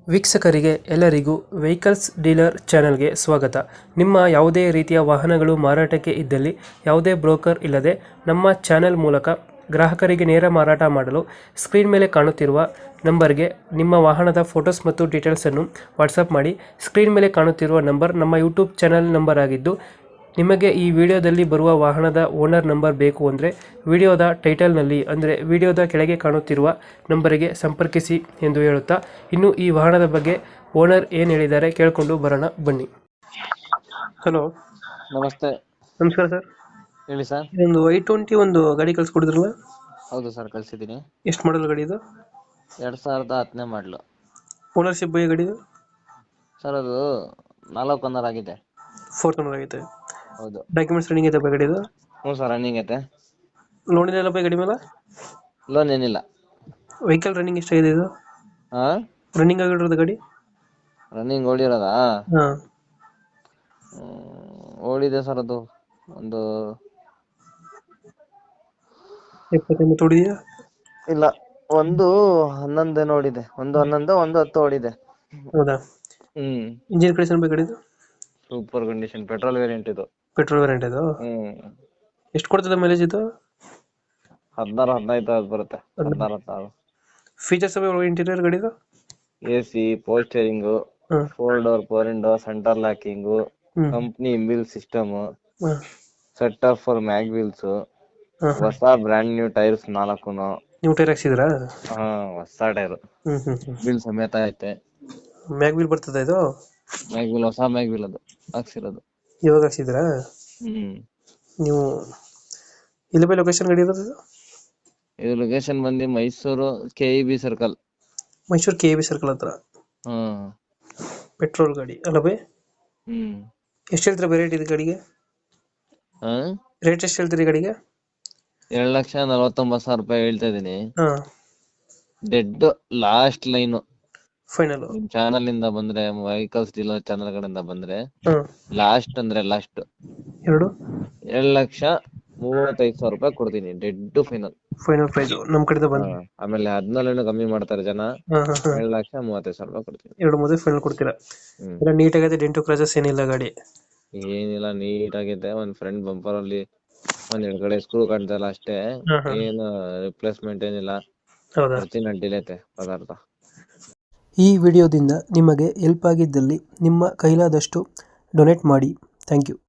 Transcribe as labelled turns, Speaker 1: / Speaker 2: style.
Speaker 1: ವೀಕ್ಷಕರಿಗೆ ಎಲ್ಲರಿಗೂ vehicles dealer ಚಾನೆಲ್ಗೆ ಸ್ವಾಗತ. ನಿಮ್ಮ ಯಾವುದೇ ರೀತಿಯ ವಾಹನಗಳು ಮಾರಾಟಕ್ಕೆ ಇದ್ದಲ್ಲಿ ಯಾವುದೇ ಬ್ರೋಕರ್ ಇಲ್ಲದೆ ನಮ್ಮ ಚಾನೆಲ್ ಮೂಲಕ ಗ್ರಾಹಕರಿಗೆ ನೇರ ಮಾರಾಟ ಮಾಡಲು ಸ್ಕ್ರೀನ್ ಮೇಲೆ ಕಾಣುತ್ತಿರುವ ನಂಬರ್ಗೆ ನಿಮ್ಮ ವಾಹನದ ಫೋಟೋಸ್ ಮತ್ತು ಡೀಟೇಲ್ಸನ್ನು ವಾಟ್ಸಪ್ ಮಾಡಿ. ಸ್ಕ್ರೀನ್ ಮೇಲೆ ಕಾಣುತ್ತಿರುವ ನಂಬರ್ ನಮ್ಮ ಯೂಟ್ಯೂಬ್ ಚಾನೆಲ್ ನಂಬರ್ ಆಗಿದ್ದು, ನಿಮಗೆ ಈ ವಿಡಿಯೋದಲ್ಲಿ ಬರುವ ವಾಹನದ ಓನರ್ ನಂಬರ್ ಬೇಕು ಅಂದರೆ ವಿಡಿಯೋದ ಟೈಟಲ್ನಲ್ಲಿ ಅಂದರೆ ವಿಡಿಯೋದ ಕೆಳಗೆ ಕಾಣುತ್ತಿರುವ ನಂಬರಿಗೆ ಸಂಪರ್ಕಿಸಿ ಎಂದು ಹೇಳುತ್ತಾ, ಇನ್ನು ಈ ವಾಹನದ ಬಗ್ಗೆ ಓನರ್ ಏನು ಹೇಳಿದ್ದಾರೆ ಕೇಳಿಕೊಂಡು ಬರೋಣ ಬನ್ನಿ. ಹಲೋ,
Speaker 2: ನಮಸ್ತೆ.
Speaker 1: ನಮಸ್ಕಾರ ಸರ್.
Speaker 2: ಹೇಳಿ ಸರ್.
Speaker 1: ಇದೊಂದು i20 ಒಂದು ಗಾಡಿ ಕಳ್ಸಿಕೊಡಿದ್ರಲ್ಲ,
Speaker 2: ಹೌದು ಸರ್, ಕಳ್ಸಿದ್ದೀನಿ.
Speaker 1: ಎಷ್ಟು ಮಾಡಲ್ ಗಾಡಿ ಇದು?
Speaker 2: 2010 ಮಾಡಲು.
Speaker 1: ಓನರ್ಶಿಪ್ ಬೈ ಗಾಡಿ
Speaker 2: ಸರ್ ಅದು 4 ಓನರ್ ಆಗಿದೆ.
Speaker 1: 4th ಓನರ್ ಆಗೈತೆ.
Speaker 2: ಹೌದು.
Speaker 1: ಡಾಕ್ಯುಮೆಂಟ್ಸ್ ರನ್ನಿಂಗ್ ಐತೆ ಬೈ ಗಾಡಿದು?
Speaker 2: ಹ್ಞೂ ಸರ್, ರನ್ನಿಂಗ್ ಐತೆ.
Speaker 1: ಲೋನ್ ಇಲ್ಲ ಬೈ ಗಾಡಿ ಮೇಲೆ?
Speaker 2: ಲೋನ್ ಏನಿಲ್ಲ.
Speaker 1: ವೆಹಿಕಲ್ ರನ್ನಿಂಗ್ ಎಷ್ಟಾಗಿದೆ ಇದು?
Speaker 2: ಹಾಂ,
Speaker 1: ರನ್ನಿಂಗ್ ಆಗಿರೋದು ಗಾಡಿ?
Speaker 2: ರನ್ನಿಂಗ್ ಓಡಿರೋದಾ?
Speaker 1: ಹಾಂ,
Speaker 2: ಓಡಿದೆ ಸರ್ ಅದು ಒಂದು
Speaker 1: 70 ಹೊಡಿದೆಯಾ?
Speaker 2: ಇಲ್ಲ, ಒಂದು 11 ಓಡಿದೆ. ಒಂದು 11, ಒಂದು 10 ಓಡಿದೆ.
Speaker 1: ಹೌದಾ?
Speaker 2: ಹ್ಮ್.
Speaker 1: ಇಂಜಿನ್ ಕಂಡೀಷನ್ ಬೈ ಗಾಡಿದು?
Speaker 2: ಸೂಪರ್ ಕಂಡೀಷನ್, ಪೆಟ್ರೋಲ್ ವೇರಿಯಂಟ್ ಇದು.
Speaker 1: ಪೆಟ್ರೋಲ್ ವೇರಿಯಂಟ್ ಇದು? ಎಷ್ಟು ಕೊಡ್ತದೆ ಮೈಲೇಜ್ ಇದು?
Speaker 2: 16-15 ಬರುತ್ತೆ. 16-16.
Speaker 1: ಫೀಚರ್ಸ್ ಇಂಟೀರಿಯರ್ ಗಾಡಿದು?
Speaker 2: AC, power steering, 4 door, 4 window, centre locking, company inbuilt system, setup for mag wheels, ಹೊಸ ಬ್ರ್ಯಾಂಡ್ ನ್ಯೂ ಟೈರ್ಸ್ 4.
Speaker 1: ನೀವು ಟೈರ್ ಹಾಕ್ಸಿದ್ರಾ?
Speaker 2: ಹಾ, ಹೊಸ ಟೈರ್, ವೀಲ್ ಸಮೇತ ಐತೆ.
Speaker 1: ಮ್ಯಾಗ್ ವೀಲ್ ಬರ್ತದೆ ಇದು?
Speaker 2: ಮ್ಯಾಗ್ ವೀಲ್, ಹೊಸ ಮ್ಯಾಗ್ ವೀಲ್ ಅದು ಹಾಕ್ಸಿರೋದು.
Speaker 1: ಇವಾಗ ಹಾಕ್ಸಿದ್ರಾ? ನೀವು ಇಲ್ಲಿ ಬೈ ಲೊಕೇಶನ್ ಗಾಡಿ ಇರೋದು?
Speaker 2: ಇದು ಲೊಕೇಶನ್ ಬಂದು Mysuru KEB circle.
Speaker 1: Mysuru KEB circle ಹತ್ರ. ಪೆಟ್ರೋಲ್ ಗಾಡಿ ಅಲ್ಲ ಬೈ? ಎಷ್ಟು ಹೇಳ್ತೀರಾ ಬೈ ರೇಟ್ ಇದು ಗಾಡಿಗೆ? ರೇಟ್ ಎಷ್ಟು ಹೇಳ್ತೀರಿ ಗಾಡಿಗೆ?
Speaker 2: 2,49,000 ರೂಪಾಯಿ ಹೇಳ್ತಾ ಇದೀನಿ. Dead last line
Speaker 1: final.
Speaker 2: ನಿಮ್ ಚಾನಲ್ ಇಂದ ಬಂದ್ರೆ, ವೆಹಿಕಲ್ಸ್ ಡೀಲರ್ ಚಾನಲ್ ಕಡೆಯಿಂದ ಬಂದ್ರೆ ಲಾಸ್ಟ್ ಅಂದ್ರೆ ಲಾಸ್ಟ್ 2,35,000 ರೂಪಾಯಿ ಕೊಡ್ತೀನಿ. ಡೆಡ್ ಫೈನಲ್
Speaker 1: ಪ್ರೈಸ್ ನಮ್ ಕಡೆಯಿಂದ ಬಂದ್ರೆ.
Speaker 2: ಆಮೇಲೆ 14 ಕಮ್ಮಿ ಮಾಡ್ತಾರೆ ಜನ. 2,35,000 ರೂಪಾಯಿ ಕೊಡ್ತೀನಿ.
Speaker 1: 2,30,000 ಫೈನಲ್ ಕೊಡ್ತೀರಾ? ನೀಟಾಗೈತೆ, ಡೆಂಟು ಕ್ರಾಚಸ್ ಏನಿಲ್ಲ ಗಾಡಿ?
Speaker 2: ಏನಿಲ್ಲ, ನೀಟ್ ಆಗಿದೆ. ಒಂದ್ ಫ್ರಂಟ್ ಬಂಪರ್ ಅಲ್ಲಿ ಒಂದೆರಡು ಕಡೆ ಸ್ಕ್ರೂ ಕಾಣ್ತಾ ಇಲ್ಲ ಅಷ್ಟೇ. ಏನು ರಿಪ್ಲೇಸ್ಮೆಂಟ್ ಏನಿಲ್ಲ. ಒರಿಜಿನಲ್ ಐತೆ ಪದಾರ್ಥ.
Speaker 1: ಈ ವಿಡಿಯೋದಿಂದ ನಿಮಗೆ ಹೆಲ್ಪ್ ಆಗಿದ್ದಲ್ಲಿ ನಿಮ್ಮ ಕೈಲಾದಷ್ಟು ಡೊನೇಟ್ ಮಾಡಿ. Thank you.